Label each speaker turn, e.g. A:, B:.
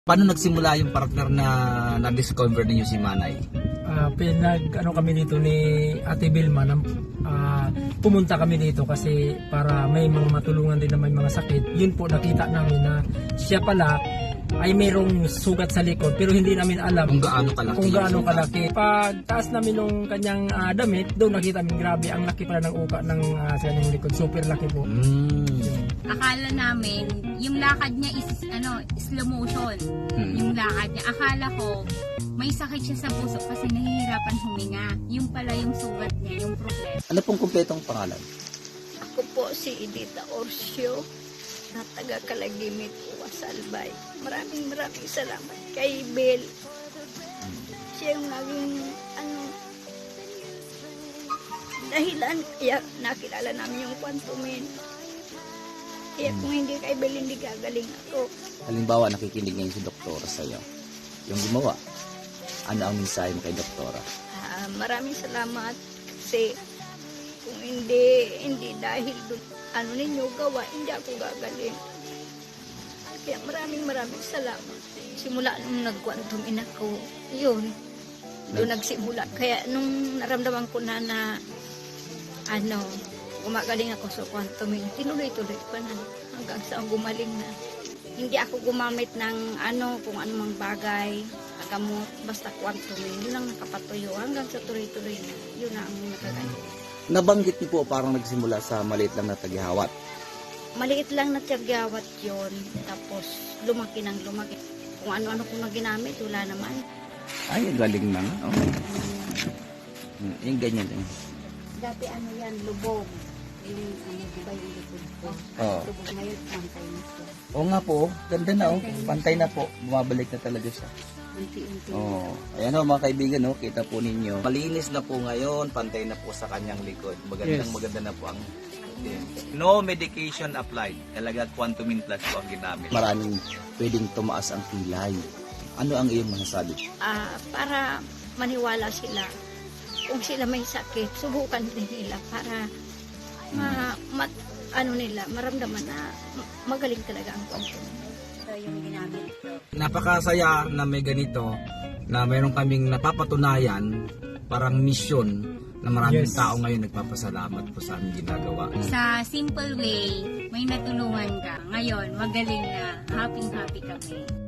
A: Paano nagsimula yung partner na-discover ninyo si Manay?
B: Kami dito ni Ate Vilma pumunta kami dito kasi para may mga matulungan din na may mga sakit. Yun po nakita namin na siya pala ay mayroong sugat sa likod pero hindi namin alam
A: Kung gaano kalaki.
B: Pag taas namin nung kanyang damit, doon nakita namin grabe ang laki pala ng uka ng sa kanyang likod. Super laki po.
C: Akala namin yung lakad niya is slow motion. Yung lakad niya. Akala ko may sakit siya sa puso kasi nahihirapan huminga. Yung pala yung sugat niya, yung problema.
A: Ano pong kumpletong pangalan?
D: Ako po si Edita Orcio na taga Kalagimit, Uwasalbay. Maraming salamat kay Bel. Siya yung naging dahilan kaya nakilala namin yung Quantumin. Kaya kung hindi kay Bel, hindi gagaling ako.
A: Halimbawa, nakikinig ngayon si Doktora sa'yo. Yung gumawa, ano ang mensahe mo kay Doktora?
D: Maraming salamat kasi kung hindi dahil doon, ninyo gawa, hindi ako gagaling. Kaya maraming salamat. Simula nung nag-Quantumin ako, yun, doon nagsimula. Kaya nung naramdaman ko na gumagaling ako sa Quantumin, tinuloy-tuloy pa na hanggang sa gumaling na. Hindi ako gumamit ng kung anumang bagay, gamot, basta Quantumin. Yun ang nakapatuyo hanggang sa tuloy-tuloy na. Yun na ang nakagaling.
A: Nabanggit niyo po parang nagsimula sa maliit lang na taghihawat.
D: Maliit lang na tiyagyawat yun. Tapos lumaki ng lumaki. Kung ano-ano ko na ginamit, wala naman.
A: Ay, galing na. Okay. Yung ganyan din.
D: Dati yan, lubog. Yung diba yung likod ko.
A: Oo.
D: Lubog ngayon, pantay na siya.
A: Oo nga po, ganda na Pantay na po. Bumabalik na talaga siya.
D: Unti-unti.
A: Ayan mga kaibigan, kita po ninyo. Malinis na po ngayon, pantay na po sa kanyang likod. Maganda na po ang no medication applied. Talaga Quantumin Plus po ang ginamit. Maraming pwedeng tumaas ang kilay. Ano ang iyong masasabi?
D: Para maniwala sila. Kung sila may sakit, subukan din nila para maramdaman na magaling talaga ang Quantumin. Yung ginamit ko.
A: Napakasaya na may ganito na mayroon kaming napapatunayan parang misyon na maraming tao ngayon nagpapasalamat po sa aming ginagawa.
C: Sa simple way, may natulungan ka. Ngayon, magaling na. Happy kami.